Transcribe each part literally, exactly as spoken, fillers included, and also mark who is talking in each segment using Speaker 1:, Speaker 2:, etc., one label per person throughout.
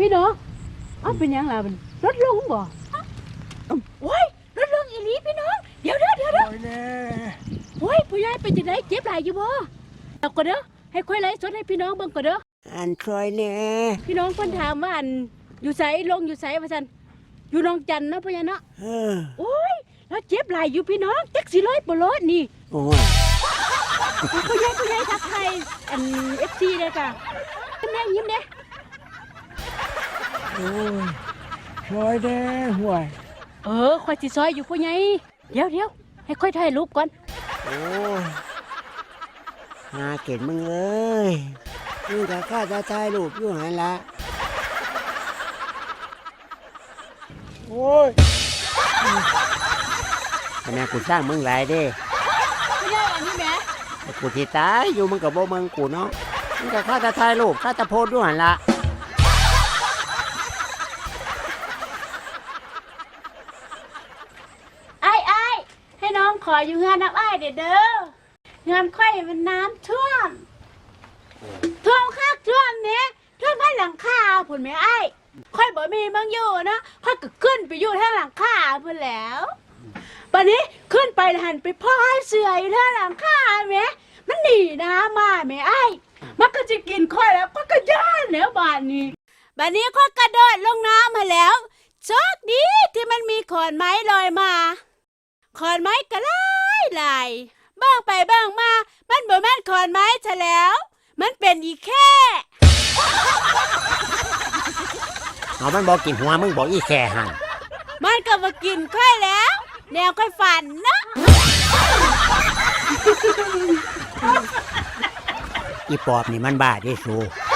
Speaker 1: พี่น้องอ้าวเป็นยังล่ะมันลดลงบ่โอ้ยลดลงอีหลีพี่น้องเดี๋ยวเด้อเดี๋ยวเด้อโอ้ยผู้ใหญ่เป็นจังได๋เจ็บหลายอยู่บ่เอาก็เด้อให้ค่อยไลฟ์สดให้พี่น้องเบิ่งก็เด้อ
Speaker 2: อันคอยแน่
Speaker 1: พี่น้องเพิ่นถามว่าอันอยู่ไสลงอยู่ไสว่าซั่นอยู่หนองจันเนาะพ่อใหญ่เนาะ
Speaker 2: เออ
Speaker 1: โอ้ยแล้วเจ็บหลายอยู่พี่น้องจักสิร้อยบ่ร้อยนี่
Speaker 2: โอ้ย
Speaker 1: ผู้ใหญ่ผู้ใหญ่ทักทายอัน เอฟ ซี เด้อจ้ะยิ้มแน่ยิ้มแน่
Speaker 2: โอ้ยคอยแน่ห่วย
Speaker 1: เออค่อยสิซอยอยู่ผู้ใหญ่เดี๋ยวเดี๋ยวให้ค่อยถ่ายรูปก่อน
Speaker 2: โอ้ยหาเก่งมึงเลยมึงจะฆ่าจะถ่ายรูปอยู่หันละโอ้ยคะแนนกูสร้างมึงหลายเด้
Speaker 1: ผู้ใหญ่อันนี้แหม
Speaker 2: กูที่ตายอยู่มึงกับโบมึงกูเนาะมึงจะฆ่าจะถ่ายรูปฆ่าจะโพสอยู่หันละ
Speaker 1: ไอ้ไอ้ให้น้องขออยู่งานน้ำไอ้เด้อเด้องานค่อยมันน้ำท่วมท่วมคักท่วมเนี้ยท่วมให้หลังคาพุ่นแม่ไอ้ค่อยบ่มีมังอยู่นะค่อยก็ขึ้นไปอยู่ทางหลังคาพุ่นแล้วบัดนี้ขึ้นไปหันไปพ่อเสืออยู่ทางหลังคาแม่มันหนีน้ำมาแม่ไอ้มันก็จะกินค่อยแล้วก็กระย่านแล้วบานนี้บัดนี้ค่อยกระโดดลงน้ำมาแล้วโชคดีที่มันมีขอนไม้ลอยมาขอนไม้ก็ลายลายบ้างไปบ้างมามันบ่แม่นขอนไม้ซะแล้วมันเป็นอีแค่
Speaker 2: เอามันบอกกินหัวมึงบอกอีแค่หัน
Speaker 1: มันก็มากินค่อยแล้วแนวค่อยฝันนะ
Speaker 2: อีปอบนี่มันบ้าที่สู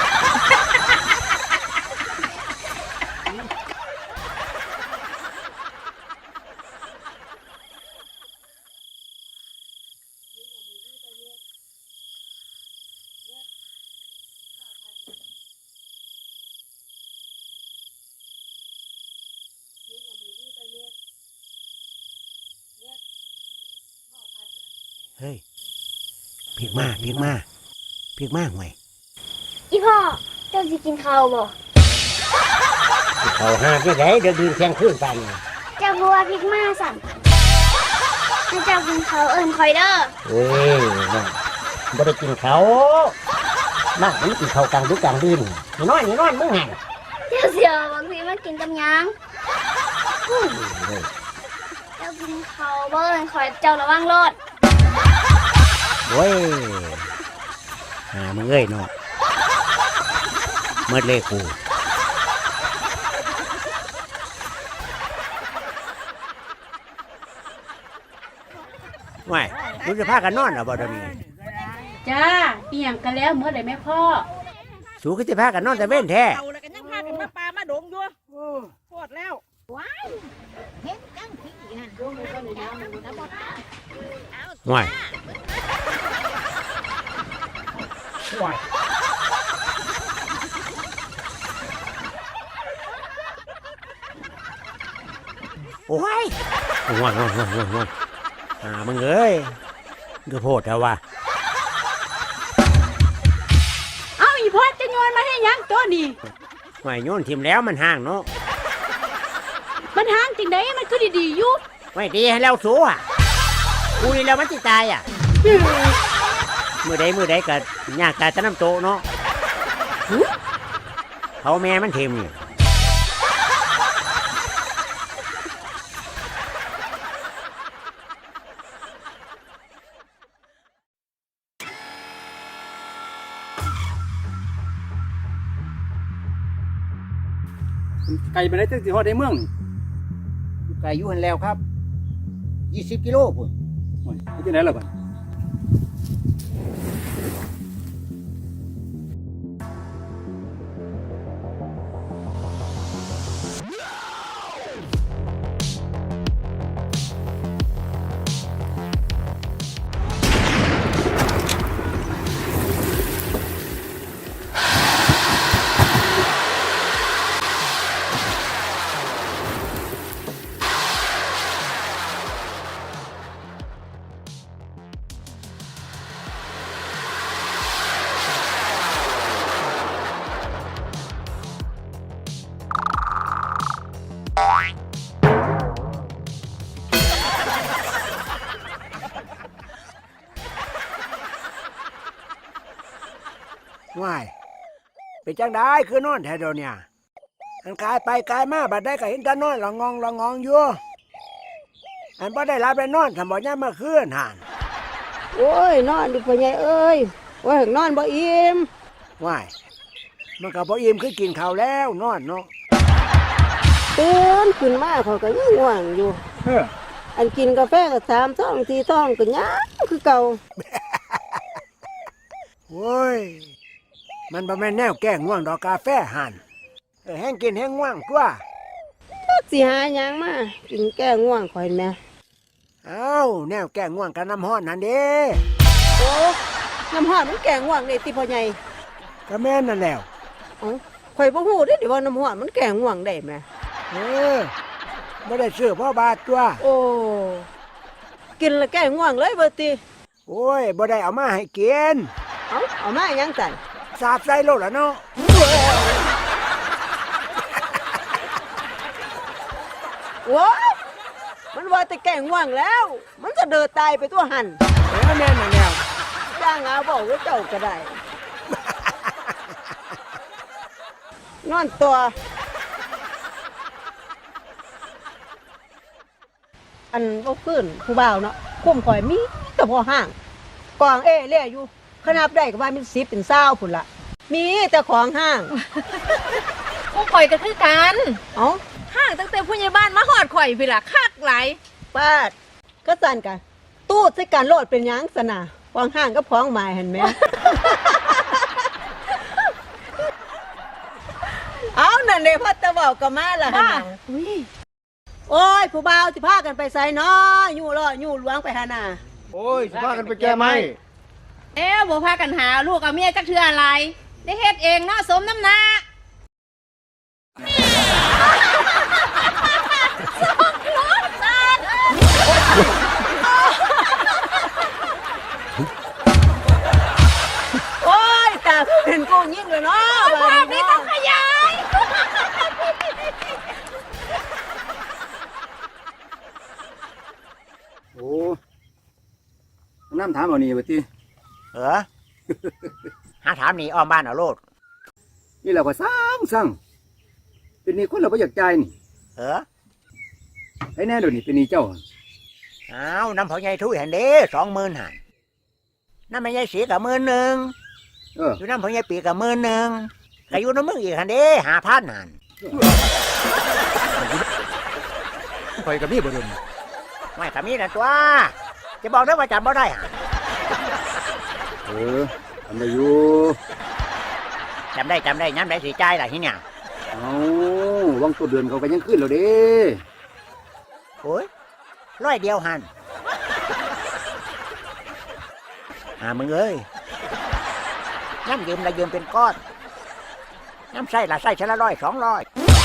Speaker 2: เฮ้ยพลิกมาพลิกมาพลิกมาห่วย
Speaker 3: อีพ่อเจ้าสิกินข้าวบ่
Speaker 2: เขาหาที่ไหนเดี๋ยวดื่มแข่งขึ้นไป
Speaker 3: เจ้าบัวพริกมาสั่นให้เจ้ากินข้าวเอิ้นคอยเด้อ
Speaker 2: เฮ้ยน่ะบ่ได้กินเขาน่ามันกินเขากลางดึกกลางดื่นนี่นอนนี่นอนมึงหัน
Speaker 3: เจ้าเสียวบางทีมันกินกับหยังเจ้ากินข้าวบ่เอิ้นคอยเจ้าระวังรถ
Speaker 2: โว้ยหามึงเอ้ยเนาะเมื่อเล่กูไม่มึงจะพากันนอนเหรอบ่เดี๋ยวนี้
Speaker 1: จ้าอีหยังกันแล้วเมื่อไหร่แม่พ่อ
Speaker 2: สูก็จะพากันนอนแต่เว้นแท้
Speaker 4: เอาแล้วกันยังพากันมาปลามาดงอยู่ปวดแล้วว้ายเห็นจังพี่นั่น
Speaker 2: ห่วยห่วยโอ้ยห่วยห่วยห่วยห่วยห่วยอ่ามึงเอ้ยก็โพดแล้วว่ะ
Speaker 1: เอาอีพ่อจะโยนมาให้ยังตัวนี้
Speaker 2: ห่วยโยนทิมแล้วมันห่างเนาะ
Speaker 1: มันห่างจริงได้มันคือดีๆอยู่
Speaker 2: ไม่ดีให้แล้วสู้อ่ะกูนี่แล้วมันจะตายอ่ะมือใดมือใดก็ยากตายจะน้ำโตเนาะเขาแม่มันเทมนี่
Speaker 5: ไก่ไปไหนตั้งแต่ฮอดในเมือง
Speaker 2: ไก่อยู่หันแล้วครับยี่สิบกิโลพุ่น
Speaker 5: โอ้ยที่ไหนล่ะบ่
Speaker 6: ว้ายเป็นจังได้คือนอนแถวเดียวเนี่ยอันกายไปกายมาบัดได้ก็เห็นแตานอนละงองละงองอยู่อันบ่ได้รับได้นอนทำบ่ย่ามมาคืนห่าน
Speaker 7: โอ้ยนอนดิพ่อใหญ่เอ้ยว่าถึงนอนบ่อิ่ม
Speaker 6: ว้ายมันก็บ่อิ่มคือกินข้าวแล้วนอนเนาะ
Speaker 7: ตื่นขึ้นมาเขาก็ยังง่วงอยู่
Speaker 5: เออ
Speaker 7: อันกินกาแฟก็สามท้องสี่ท้องก็ยังคือเก่า
Speaker 6: โว้ยมันบ่แม่นแนวแก้ง่วงดอกกาแฟห่านเออแห้งกินแห้งง่วงตัว
Speaker 7: จักสิหาหยังมากินแก้ง่วงข่อยแม่
Speaker 6: เอ้าแนวแก้ง่วงกับน้ำห้อนนั่นเด้
Speaker 7: โอ้น้ำห้อนมันแก้ง่วงได้ติพ่อใหญ่
Speaker 6: ก็แม่นนั่นแล้ว
Speaker 7: เอ้าข่อยบ่ฮู้เด้ดิว่าน้ำห้อนมันแก้ง่วงได้แม่
Speaker 6: เออบ่ได้ซื้อพ่อบาทตัว
Speaker 7: โอ้กินแล้วแก้ง่วงเลยเบ่ติ
Speaker 6: โอ้ยบ่ได้เอามาให้กิน
Speaker 7: เอ้าเอามาหยังสั่น
Speaker 6: สาบใส่โลดละเนาะ
Speaker 7: โอ้ยมันว่าแต่แก้ง่วงแล้ว มันจะเดินตายไปตัวหัน
Speaker 6: เออแม่นนั่นแล้ว
Speaker 7: จ้างเอาบอกว่าเจ้าก็ได้ นอนตัว อันบ่ขึ้นผู้บ่าวเนาะคุ้มข่อยมีแต่พอห้างกองเอเล่อยู่ขนาบได้ก็ว่ามีสิบเป็นเศร้าพุ่นละมีแต่ของห้าง
Speaker 4: พวกข่อยก็คือกัน
Speaker 7: เอ้า
Speaker 4: ห้างตั้งแต่ผู้ใหญ่บ้านมาหอดข่อยพี่ล่ะคักหลาย
Speaker 7: ป้าดก็สั่นกันตู้ใส่การโลดเป็นหยังสนะของห้างก็พ้องหมายเห็นไหม เอานั่นเลยพ่อตะเบาก็มาละหั่นน่ะโอ้ยผู้บ่าวสิพากันไปใส่น้อยู่ล่อยู่หลวงไปหานา
Speaker 8: โอ้ยสิพากันไปแก้ไม้
Speaker 4: เอ๊ะบ่พากันหาลูกเอาเมียจักเทื่ออะไร ได้เฮ็ดเองเนาะสมน้ำหน้า
Speaker 7: โอ้ยตาเห็นกูยิ่งเลยเนาะ
Speaker 4: ภาพนี้ต้องขยาย
Speaker 5: โอ้น้ำถามเอานี่ว่าติ
Speaker 2: เออ หาถามนี่อ้อมบ้านเอาโลด
Speaker 5: นี่เราก็สร้างสร้างเป็นหนี่คนเราบ่อยากจ่ายนี่
Speaker 2: เออ
Speaker 5: ให้แน่เดี๋ยวนี้เป็นหนี่เจ้า
Speaker 2: อ้าวน้ำพ่อใหญ่ทุยหันเด้สองหมื่นหันน้ำแม่ใหญ่สีกับหมื่นหนึ่ง
Speaker 5: เออ
Speaker 2: อยู่น้ำพ่อใหญ่ปีกับหมื่นหนึ่งก็อยู่น้ำมึงอีกหันเด้หาพันหัน
Speaker 5: ข่อยกับมีบ่เดิน
Speaker 2: ไม่กับมีนะตัว จะบอกได้ว่าจำบ่ได้หัน
Speaker 5: เออทำได้อยู่
Speaker 2: จำได้จำได้ย้ำได้สีใจายล่ะที่เนี่ย
Speaker 5: เอาวังตัวเดือนเขาก็ยังขึ้นแล้วเด้
Speaker 2: โอ้ยร้อยเดียวหันอ่ามึงเอ้ยน้ำยืมละยืมเป็นก้อนน้ำใส่ละใส่ชละร้อยสองร้อย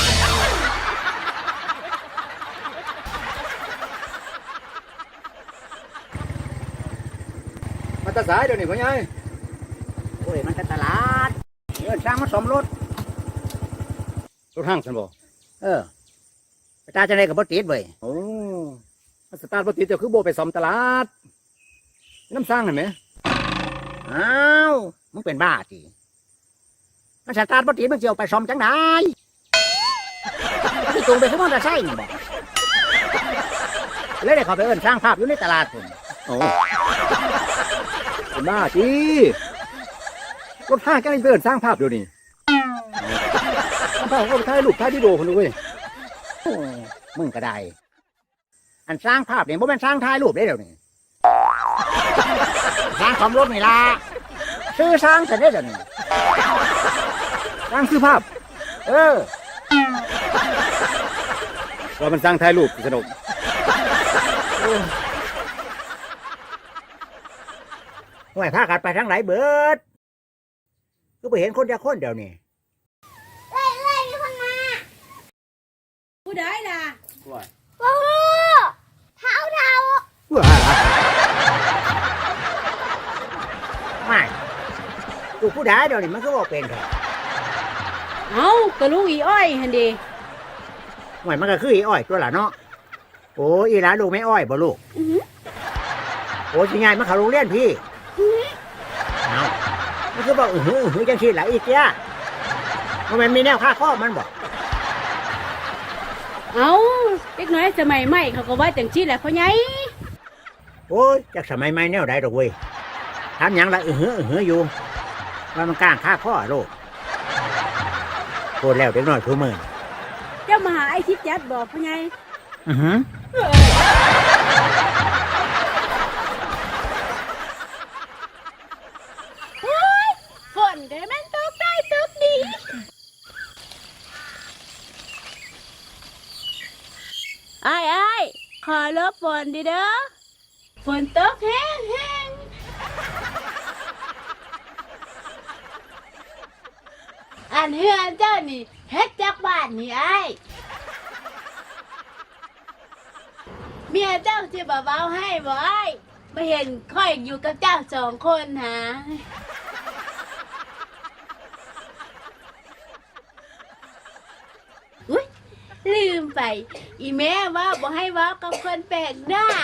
Speaker 5: มาแตาสายเดี๋ยวนี้พ่อใหญ่
Speaker 2: โอ้ยมันก็ตลาดเงินสร้างมาสมรถ
Speaker 5: รถห้างฉันบ่
Speaker 2: เออไปตาจะได้กับบติดเว้ย
Speaker 5: โอ้มาสตาร์ทบ่ติดเจ้าคือบ่ไปซ่อมตลาด น้ำสร้างเห็นไหม
Speaker 2: อ้าวมึงเป็นบ้าจีมันสตาร์ทบติดมึงจะเอาไปซ่อมจังไดที่ตูงไปขึ้นมอเตอร์ไซค์นี่บอกแล้วได้เขาไปเอิ้นสร้างภาพอยู่ในตลาดผม
Speaker 5: โอ้เป็นบ้าจีรถห้างแกล้งเดินสร้างภาพเดี๋ยวนี้สร้างภาพก็ไปถ่ายรูปถ่ายวิดีโอคนดูเว้ย
Speaker 2: โอ้มึงก็ได้ อันสร้างภาพเนี่ยบ่แม่นสร้างถ่ายรูปได้เดี๋ยวนี้สร้างความรถนี่ล่ะซื้อสร้างเสร็จได้เดี๋ยวนี้
Speaker 5: สร้างซื้อภาพ
Speaker 2: เออ
Speaker 5: ว่ามันสร้างถ่ายรูปสนุก
Speaker 2: ห่วยพากันไปทางไหนเบิดก็ไปเห็นคนจะคนเดียวนี่
Speaker 1: ผู้ใดล่ะ
Speaker 5: ว่า
Speaker 3: โอ้โหเท้าเท้า
Speaker 2: ไม่กูผู้ใดเดี๋ยวนี้มันก็บอกเป็นเถอะ
Speaker 1: เอ้ากระลูกอีอ้อยหันดี
Speaker 2: หวยมันก็คืออีอ้อยตัวละเนาะโอ้อีหลานลูกไม่อ้อยบ่ลูก
Speaker 1: อื้อหือ
Speaker 2: โอ้สิยายมาเข้าโรงเรียนพี่เอามันคือบอกอือหืออือหือจังซี่ล่ะอีเตี้ยมันแม่นมีแนวค่าข้อมันบ่
Speaker 1: เอาเด็กน้อยสมัยใหม่เขาก็ว่าจังซี่แหละพ่อใหญ่
Speaker 2: โอ้ยจากสมัยใหม่แนวใดดอกเว้ยถามหยังละอือหืออือหืออยู่ว่ามันกลางค่าข้อโลกโคตรแล้วเด็กน้อยทุกมื้อ
Speaker 1: เจ้ามาหาไอ้ทิศจัดบอกพ่อใหญ่
Speaker 2: อือหือ
Speaker 1: ฝนเด้อมันตกได้ตกดีไอ้ไอ้ายขอลบฝนดิเด้อฝนตกแห้งแห้งอันเฮือนเจ้านี่เฮ็ดจากบ้านนี่ไอ้ายเมียเจ้าสิบ่เบาให้บ่ไอ้ายมาเห็นค่อยอยู่กับเจ้าสองคนหาอุ๊ยลืมไป อีแม่ว่าบ่ให้เว้ากับคนแปลกหน้า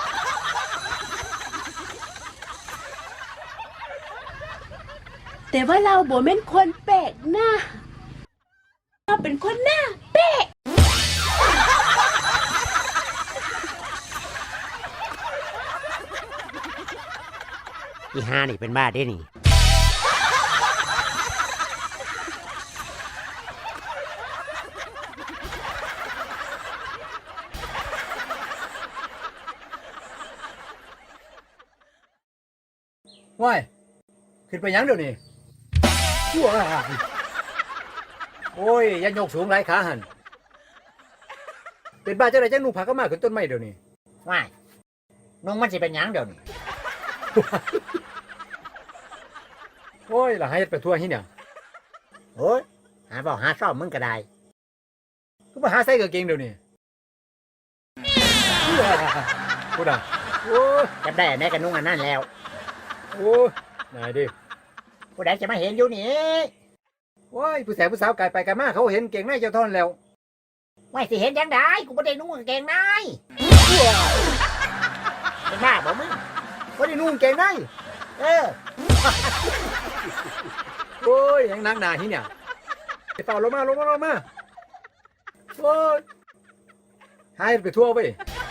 Speaker 1: แต่ว่าเราบ่แม่นคนแปลกหน้าเราเป็นคนหน้าแปลก
Speaker 2: อีห้านี่เป็นบ้าเด้นี่
Speaker 5: ว้ายขึ้นไปหยังเดี๋ยวนี้ชั่วอ่ะโอ้ยอยันยกสูงหลายขาหันเป็นบ้าเจ้าไรจังนุ่งผ้าก็มาขึ้นต้นไม้เดี๋ยวนี้
Speaker 2: ว่ายน้องมันสิเป็นหยังเดี๋ยวนี้
Speaker 5: โอ้ยล่ะให้ไปทั่วที่เนี่ย
Speaker 2: โอ้ยหาบอกหาซ่อมมึงก็ได้
Speaker 5: ก็มาหาใส่กางเกงเดี๋ยวนี้พูดอ่ะโอ้ย
Speaker 2: จำได้อันไหนกันนุ่งอันนั้นแล้ว
Speaker 5: โอ้ยนายดิ
Speaker 2: ผู้ใดจะมาเห็นอยู่นี่
Speaker 5: ว้ายผู้แสบผู้สาวไกลไปไกลมาเขาเห็นเก่งในเจ้าท่อนแล้ว
Speaker 2: ว่าสิเห็นยังได้กูไม่ได้นุ่งกางเกงในเป็นบ้าบ่มึง
Speaker 5: ว่าได้นุ่งเก่งใน
Speaker 2: เออ
Speaker 5: โอ้ยยังนักหนาที่เนี่ยไปเป่าลงมาลงมาลงมาโอ้ยให้ไปทั่วไป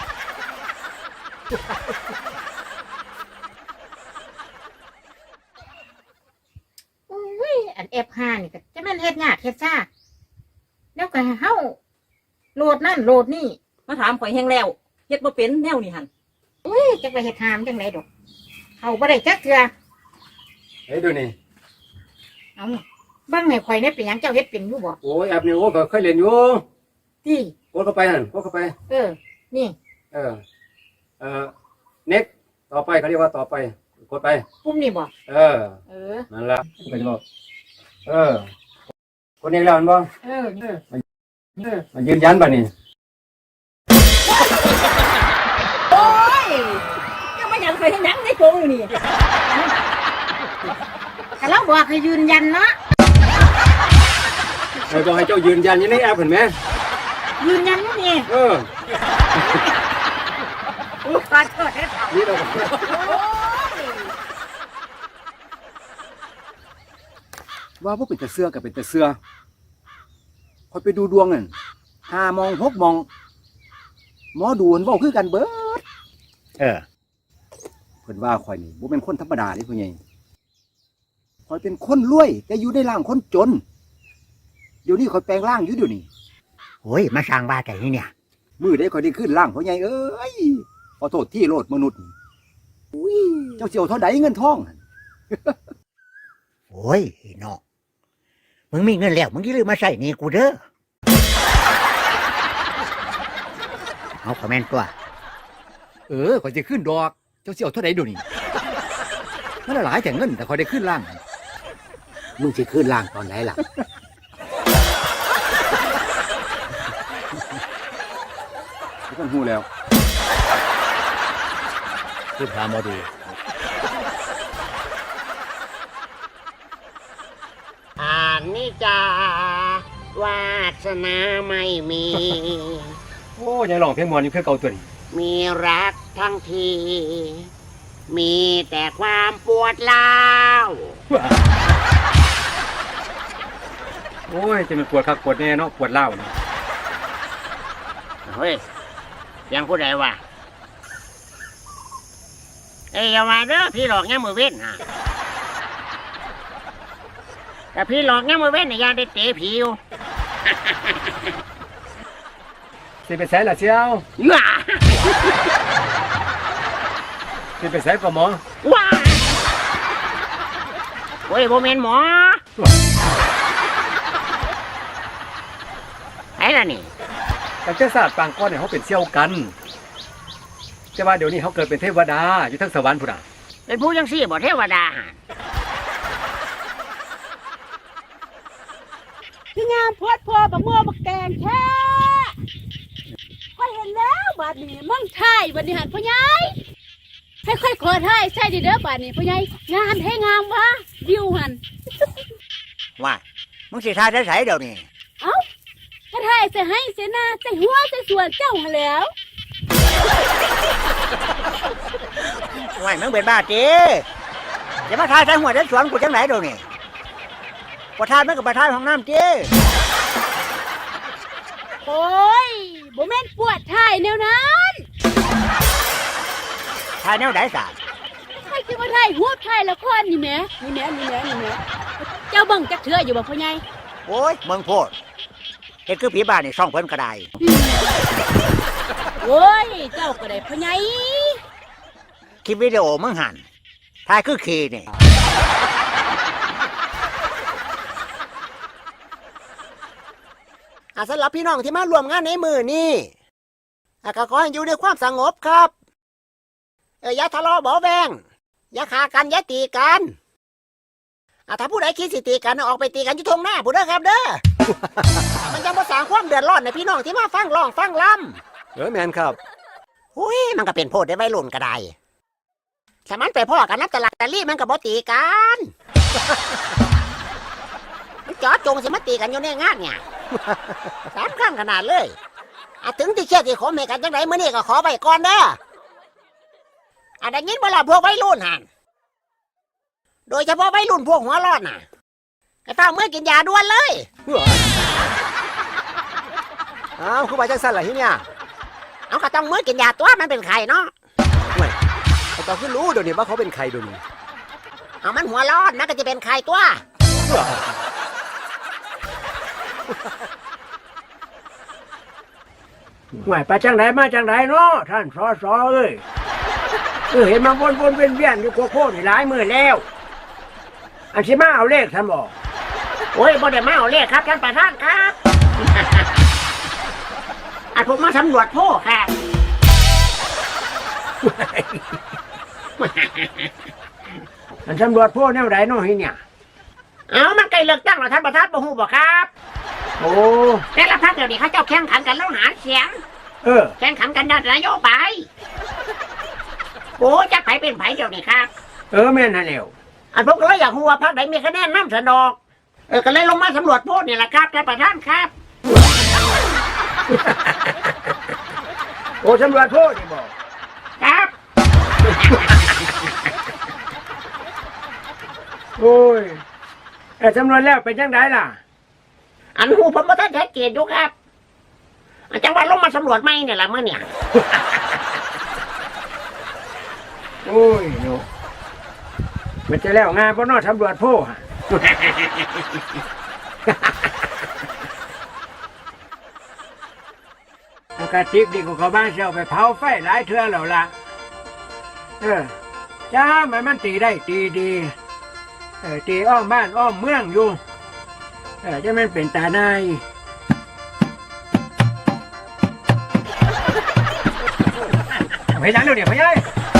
Speaker 4: อุ้ยอันเอฟห้านี่ก็จะแม่นเฮ็ดยากเฮ็ดซ่าแล้วก็เฮาโหลดนั่นโหลดนี่
Speaker 9: มาถามข่อยแห้งแล้วเฮ็ดบ่เป็นแนวนี่หั่น
Speaker 4: อุ้ยจักไปเฮ็ดหามจังไดดอกเขาบ่ได้จักเทื่อ
Speaker 5: เฮ้ยดูนี่
Speaker 4: เอาเบิ่งให้ข่อยได้เป็นหยังเจ้าเฮ็ดเป็นอยู่บ่
Speaker 5: โอ้ยแอบนี่โอ้ก็เคยเรียนอยู่
Speaker 4: ที่
Speaker 5: กดเข้าไปนั่นกดเข้าไป
Speaker 4: เออ นี่
Speaker 5: เออ เออเน็กต่อไปเขาเรียกว่าต่อไป กดไป
Speaker 4: ปุ่มนี่บ่
Speaker 5: เออ
Speaker 4: เออ
Speaker 5: นั่นละก็จะบอกเออ คนนี้แล้วมันบ่
Speaker 4: เออนี่
Speaker 5: มายืนยันป่ะนี่
Speaker 9: โอ้ยยังไม่อยากข่อยให้หนังในโกงอยู่นี่
Speaker 4: ก็เราบอกให้ยืนยันเนาะ
Speaker 5: ใครบอกให้เจ้ายืนยันอยังในแอปเห็นไหม
Speaker 4: ยืนยันอยู่นี่
Speaker 5: เออ
Speaker 4: ขอโทษเด้อ
Speaker 5: นี่เราว่าพวกเป็นแต่เสื้อกับเป็นแต่เสื้อคอยไปดูดวงนั่นห้ามองหกมองหมอดูนบอกคือกันเบิด
Speaker 2: เออ
Speaker 5: เพิ่นว่าข่อยนี่บ่เป็นคนธรรมดาเด้พ่อใหญ่ข่อยเป็นคนรวย แต่อยู่ในร่างคนจน เดี๋ยวนี้ข่อยแปลงร่างอยู่เดี๋ยวนี้
Speaker 2: โอ้ยมาสร้างบ้าแต่นี่เนี่ย
Speaker 5: มื้อใดข่อยได้ขึ้นร่างพ่อใหญ่เอ้ยขอโทษที่โลดมนุษย์อุ้ยเจ้าเสี่ยวเท่าใดเงินทอง
Speaker 2: โอ้ยไอ้น้องมึงมีเงินแล้วมึงอย่าลืมมาใส่หนี่กูเด้อเอาคอมเมนต์ตัว
Speaker 5: เออข่อยจะขึ้นดอก เจ้าเสี่ยวเท่าใดเดี๋ยวนี้มันหลายแต่เงินแต่ข่อยได้ขึ้นร่าง
Speaker 2: มึงจะขึ้นล่างตอนไหนล่ะ
Speaker 5: ทุกคนฮู้แล้ว
Speaker 2: ขึ้นพามาดูอ่านนี่จ้าวาสนาไม่มี
Speaker 5: โอ้ยังร้องเพลงมวนอยู่คือเก่าตัวนี้
Speaker 2: มีรักทั้งที มีแต่ความปวดร้าว
Speaker 5: โอ้ยจะมันปวดคักปวดแน่เนาะปวดเล่าวนะ
Speaker 2: เฮ้ยยังผู้ใดวะเอ้ยอย่ามาเด้อพี่หลอกแง่มือเว้นฮะแต่พี่หลอกแง่มือเว้นเนี่ยยังได้เตะผีอยู่
Speaker 5: สิไปใส่ละเชียว
Speaker 2: ว้า
Speaker 5: สิไปใส่กับหมอ
Speaker 2: ว้าโอ้ยโบเมนหมอไอ้ล่ะนี่
Speaker 5: แต่เจ้าศาสตร์ปางก้อนเนี่ยเขาเป็นเซี่ยวกันแต่ว่าเดี๋ยวนี้เขาเกิดเป็นเทวดาอยู่ทั้งสวรรค์พุ่นน่ะ
Speaker 2: เป็นผู้ยังซี่บ่เทวดาหะ
Speaker 1: คืองามโพดพอบักม่วบักแตงแท้ค่อยเห็นแล้วบาดนี้มั่งไทยบัดนี้หันพ่อใหญ่ให้ค่อยขอไทยใช่ดิเด้อบาดนี้พ่อใหญ่งามให้งามวะวิวหัน
Speaker 2: ว่ามึงสิทายใส่เดี๋ยวนี้
Speaker 1: เอ้าก็ไทยใส่ให้ใส่หน้าใส่หัวใส่ส่วนเจ้าหันแหล้ว
Speaker 2: ว่ามึงเป็นบ้าจีอย่ามาทายใส่หัวใส่สวนกูจังไหนเดี๋ยวนี้ประทานมึงกับประทานของน้ำจี
Speaker 1: โอ้ยบ่แม่นปวดไทยแนวนั้น
Speaker 2: ทายแนวไหนสาร
Speaker 1: ใครคือว่าไทยหัวไทยละครนี่แหมนี่แหมนี่แหมนี่แหมเจ้าเบิ่งจักเทื่ออยู่บ่พ่อใหญ่
Speaker 2: โอ้ยเมืองโพดเห็นคือผีบ้านนี่ซ่องเพิ่นก็ได้
Speaker 1: โอ้ยเจ้าก็ได้พ่อใหญ่
Speaker 2: คลิปวิดีโอมึงหันทายคือขี่นี่
Speaker 6: อ่ะสำหรับพี่น้องที่มารวมงานในมือนี่อ่ะก็ขอให้อยู่ในความสงบครับเอออย่าทะเลาะเบาแวงอย่าฆ่ากันอย่าตีกันอ่ะถ้าผู้ใดคิดสิตีกันเอาออกไปตีกันอยู่ทงหน้าผู้เด้อครับเด้อ มันจะมาสร้างความเดือดร้อนในพี่น้องที่มาฟังร้องฟังล
Speaker 5: เออแมนครับ
Speaker 6: ำอุ้ยมันก็เป็นโพดได้ไว้รุ่นก็ได้สมันไปพ่อกันนับตลาดตะลี่มันก็บ่ตีกัน มันจอดจงสิมาตีกันอยู่ในงานเนี่ย สามครั้งขนาดเลยอะถึงที่เชื่อที่ขอเมกันจังไรเมื่อนี้ก็ขอไปก่อนเด้ออะได้ยินเวลาพวกวัยรุ่นหันโดยเฉพาะวัยรุ่นพวกหัวร้อนน่ะก็ต้องเมื่อกินยาด่วนเลย
Speaker 5: อ้าวคือไปจังสั่นล่ะที่เนี่ย
Speaker 6: เอาก็ต้องเมื่อกินยาตัวมันเป็นไข่เนาะ
Speaker 5: ไอ้ตอนขึ้นรู้เดี๋ยวนี้ว่าเขาเป็นใครเดี๋ยวนี้
Speaker 6: เอามันหัวร้อนมันก็จะเป็นไข่ตัว
Speaker 2: หวยไปจังไหนมาจังไหนเนาะท่านสอสอเอ้ยเออเห็นมาวนวนเวียนเวียนอยู่โคโค่นี่หลายมือแล้ว อันสิมาเอาเลขท่านบอก
Speaker 6: โอ้ยบ่ได้มาเอาเลขครับท่านประธานครับ อันผมมาสำรวจโพครับ
Speaker 2: อันตำรวจพวกแนวไหนเนาะเฮียเนี่ย
Speaker 6: เอามันใกล้เลือกตั้งแล้วท่านประธานบ่ฮู้บ่ครับ
Speaker 2: โอ้
Speaker 6: แต่ละพรรคเดี๋ยวนี้เขาเจ้าแข่งขันกันแล้วหาเสียง
Speaker 2: เออ
Speaker 6: แข่งขันกันด้านนโยบายโอ้จะไผเป็นไผเดี๋ยวนี้ครับ
Speaker 2: เออแม่นนั่นแหล้ว
Speaker 6: อันผมก็เลยอยากรู้ว่าพรรคไหนมีคะแนนนำสนอกเออก็เลยลงมาสำรวจโพลนี่แหละครับท่านประธานครับ
Speaker 2: โอ้ตำรวจพวกนี่บอก
Speaker 6: ครับ
Speaker 2: โอ้ยแต่ตำรวจแล้วเป็นจังไดล่ะ
Speaker 6: อันหูผมบ่ทันชัดเจนอยู่ครับอันจังหวัดลงมาสำรวจไหมเนี่ยละเมื่อเนี่ย
Speaker 2: โอ้ยเนาะมันจะแล้วงานเพราะนอตำรวจพวกฮะ อากาศติกดีกว่าเขาบ้านเสียวไปเผาไฟหลายเทื่อแล้วล่ะ เออ จ้ามันมันตีได้ตีดีเออตีอ้อมบ้านอ้อมเมืองอยู่เออจะมันเป็นตาในาย
Speaker 5: ไปยังเดี๋ยวนี้ไปยัย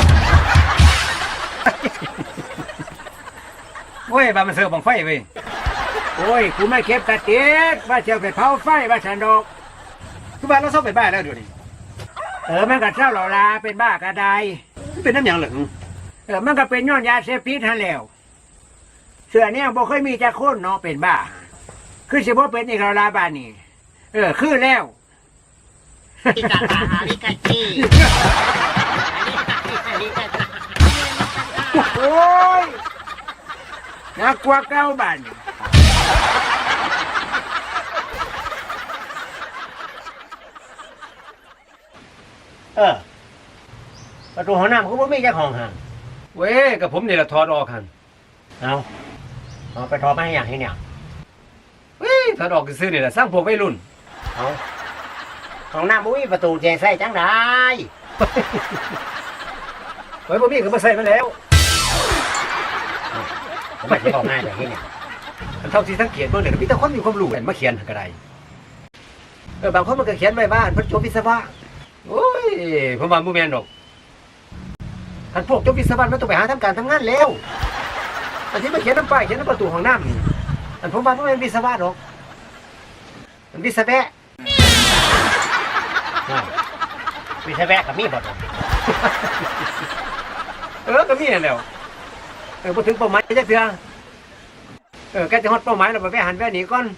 Speaker 5: โอ้ยบามันเสือบังไฟเว้ย
Speaker 2: โอ้ยกูไม่เก็บกระติกว่าเสียวไปเผาไฟว่าฉันดอก
Speaker 5: คือบ้านเราเศร้าไปบ้านแล้วเดี๋ยวนี้
Speaker 2: เออมันก็เศร้าเหล่าลาเป็นบ้ากระได
Speaker 5: มันเป็นน้ำหยังเหรอ
Speaker 2: เออมันก็เป็นย้อนยาเสพติดทันแล้วเสือเนี่ยบ่เคยมีจะโค่นเนาะเป็นบ้าคือสิบ่เป็นอีกแล้วลาบ้านนี่เออคือแล้ว
Speaker 4: อิกาตาอาริกาจี
Speaker 2: โอ้ยน่ากลัวเก้าบ้านนี่เออประตูห้องน้ำเขาบ่มีเจ้าของหัน
Speaker 8: เว้ยกับผมนี่แหละถอดออกหัน
Speaker 2: เอาเอาไปถอดมาให้อย่างนี้เนี่ย
Speaker 8: เว้ยถอดออกซื้อนี่แหละสร้างพวกวัยรุ่น
Speaker 2: เอาห้องน้ำบ่มีประตูแจใส่จังได้
Speaker 8: ไว้บ่มีก็มาใส่มาแล้ว
Speaker 2: ผมไม่ได้บอกง่ายแบบนี้เนี่ย
Speaker 8: อันเท่าที่สังเกตเบิ่งเนี่ยก็มีแต่คนมีความรู้กันมาเขียนก็ได้เออบางคนมันก็เขียนไว้ว่าเพิ่นจบวิศวะโอ้ยผมว่าบ่แม่นดอกอันพวกจบวิศวะมันต้องไปหาทำการทำงานแล้วอันที่มาเขียนน้ำป้ายเขียนน้ำประตูห้องน้ำนี่อันผมว่าบ่แม่นวิศวะดอกมันวิศวะ
Speaker 2: วิศวะกับมีบ่ตรง
Speaker 8: เออก็มีนั่นแหล้วเออพอถึงเป้าหมายจักเทื่อเออใกล้จะฮอดเป้าหมายแล้วไปแวะหันแวะหนีก่อน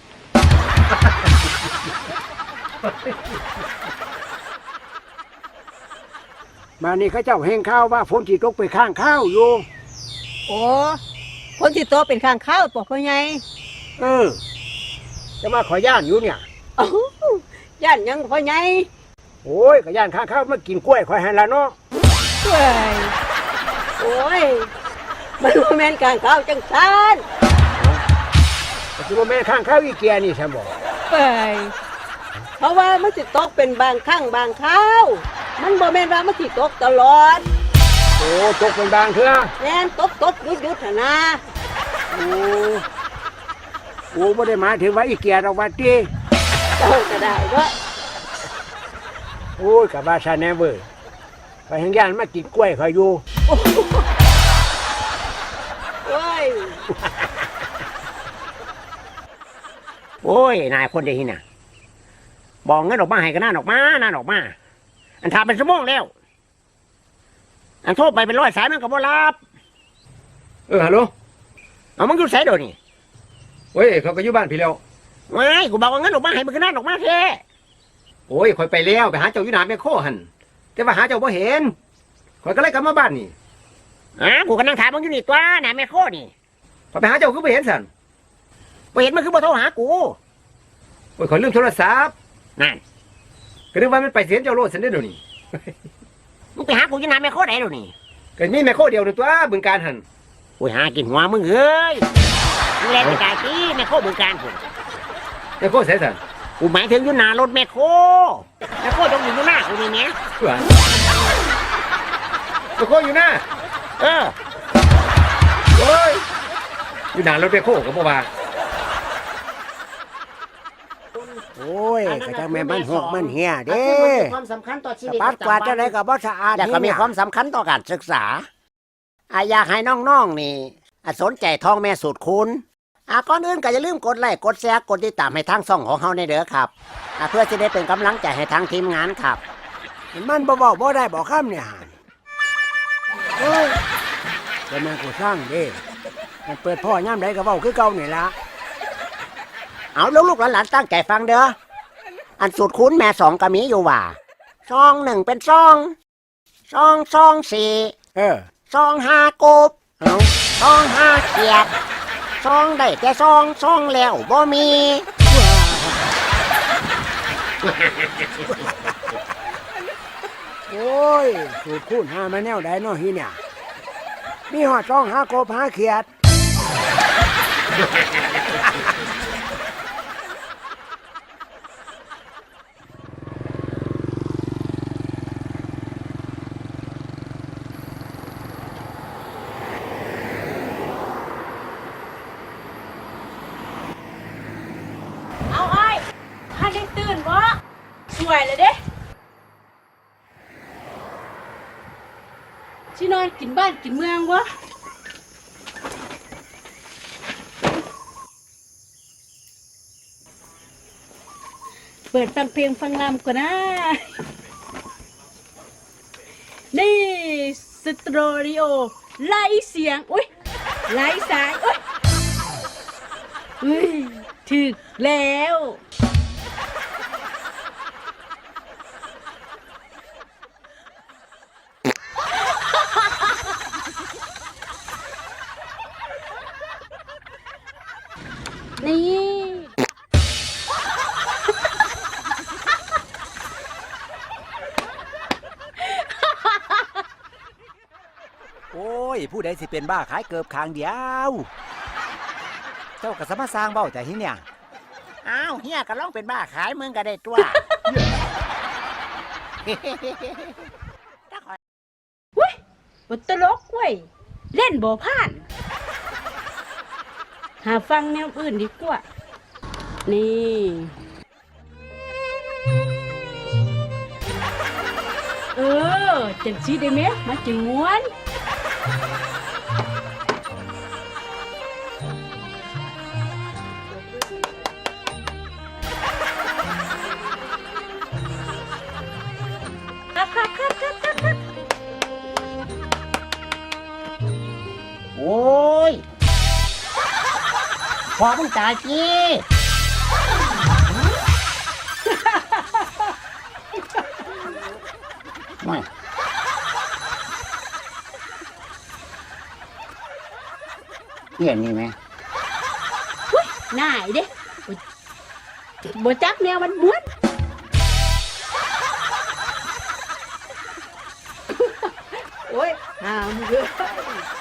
Speaker 2: มานี่เขาเจ้าแห่งข้าวว่าฝนที่ตกไปข้างข้าวอยู่
Speaker 7: โอ้คนที่โตเป็นข้างข้าวปอกพ่อใหญ่
Speaker 2: เออ จะมาขอย่านอยู่เนี่ย
Speaker 7: เอ้าย่านหยังพ่อใหญ่
Speaker 2: โอ้ยขย่านข้างข้าวมากินกล้วยคอยให้ละเนาะ
Speaker 7: เฮ้ยโอ้ยมันบ่แม่นข้างข้าวจังซั่น
Speaker 2: แต่ที่ว่าแม่ข้างข้าวอีเกียนี่ใช่บ่
Speaker 7: เฮ้ยเพราะว่ามันสิตกเป็นบางครั้งบางคราวมันบ่แม่นว่ามันสิตกตลอด
Speaker 2: โอ้ตกเป็นบางเทื่อ
Speaker 7: แม่นตกตกหยุดหยุดหั่นนะ
Speaker 2: โอ้โอ้ไม่ได้หมายถึงว่าอีเกียดอกว่าตี
Speaker 7: เจ้าก็ได้เด้อ
Speaker 2: โอ้ยกับว่าชาแนเวอร์ไปแห่งย่านมากินกล้วยคอยอยู่
Speaker 7: โอ้ย
Speaker 6: โอ้ยนายคนเดียวนี่นะบอกเงินออกมาให้ก็น่าออกมาน่าออกมา อันทำเป็นชั่วโมงแล้ว อันโทรไปเป็นร้อยสายมันก็บ่รับ
Speaker 8: เออฮัลโหล
Speaker 6: เอามึงอยู่ไสเดี๋ยวนี้
Speaker 8: เว้ยเขาก็อยู่บ้านพี่แล้ว
Speaker 6: ไม่กูบอกว่าเงินออกมาให้มันก็น่าออกมาแท้
Speaker 8: โอ้ยข่อยไปแล้วไปหาเจ้าอยู่หน้าแม่โคหันแต่ว่าหาเจ้าบ่เห็นข่อยก็เลยกลับมาบ้านนี่
Speaker 6: อ่ะกูก็นั่งถามมึงอยู่นี่ตัวน่ะแม่โคนี่
Speaker 8: ข่อยไปหาเจ้าคือบ่เห็นสั่น
Speaker 6: บ่เห็นมันคือบ่โทรหากู
Speaker 8: โอ้ยข่อยลืมโทรศัพท์
Speaker 6: นั่น
Speaker 8: ก็นึกว่ามันไปเสียนเจ้าโลดซั่นเด้อเดี๋ยวนี้
Speaker 6: มึงไปหากูอยู่น่ะแม่โคไหนเดี๋ยวนี้
Speaker 8: ก็มีแม่โคเดียวนึงตัวบึงการหัน
Speaker 6: กูหากินหัวมึงเอ้ยมึงแลไปกายตีแม่โคบึงการผม
Speaker 8: แม่โคใส่สั่น
Speaker 6: กูหมายถึงอยู่หน้ารถแม่โคแม่โคต้องอยู่อยู่หน้ากูนี่แหม่
Speaker 8: ว่าแม่โคอยู่หน้า
Speaker 6: เออ
Speaker 8: โอ้ยอยู่หน้ารถแม่โคก็บ่ว่า
Speaker 2: โอ้ยก็จังแม่มันหกมันเหี่ยเด้
Speaker 6: ความสำคัญต่อชี
Speaker 2: ส
Speaker 6: วิต
Speaker 2: ปัดกวาดจะได้กับบ่สะอาด
Speaker 6: แต่ก็มีความสำคัญต่อการศึกษาอาอยากให้น้องๆนี่อ่ะสนใจท่องแม่สูตรคุณอ่ะก่อนอื่นก็อย่าลืมกดไลค์กดแชร์กดติดตามให้ทางช่องของเฮาในเด้อครับอ่ะเพื่อจะได้เป็นกำลังใจให้ทางทีมงานครับ
Speaker 2: มันบ่บอกบ่ได้บอกคำเนี่ยหั่นโอ้ยแต่แม่กูสร้างเด้มันเปิดพ่อย่ำใดก็เว้าคือเก่านี่ล่ะ
Speaker 6: เอาลูกๆหลานๆตั้งใจฟังเด้ออันสูตรคุณแม่สองก็มีอยู่ว่าซองหนึ่งเป็นซองซองซองสี่
Speaker 2: เออ
Speaker 6: ซองห้ากบ
Speaker 2: เอา
Speaker 6: ซองห้าเกียรติซองได้แต่ซองซองแล้วบ่มี
Speaker 2: โอ้ยสูตรคูณหามาแนวใดเนาะฮีเนี่ยมีหอดจ้องหากบหาเขียด
Speaker 1: เอาไอ้ถ้าได้ตื่นวะสวยเลยเด้ชินอนกินบ้านกินเมืองวะเปิดฟังเพลงฟังลำก่อนนะ นี่สตรอริโอไล่เสียง อุ้ยไล่สาย อุ้ยอุ้ยถึกแล้ว นี่
Speaker 5: โอ้ย ผู้ใดสิเป็นบ้าขายเกิบคางเดียว เจ้าก็สามารถสร้างเบ้าแต่ที่เนี่ย
Speaker 9: อ้าวเฮียก็ลองเป็นบ้าขายมึงก็ได้ตัว
Speaker 1: บทตลกเว้ยเล่นบ่ผ่าน หาฟังแนวอื่นดีกว่า นี่ เออจังสีได้ไหมมาจึงม้วน ครับครับครับครับครับครับ
Speaker 9: โอ้ยพอมึงตายจีไม่เห็นนี่ไหม
Speaker 1: น่ายเด้บ่จักแนวมันม้วน
Speaker 7: โอ้ยหามเด้อ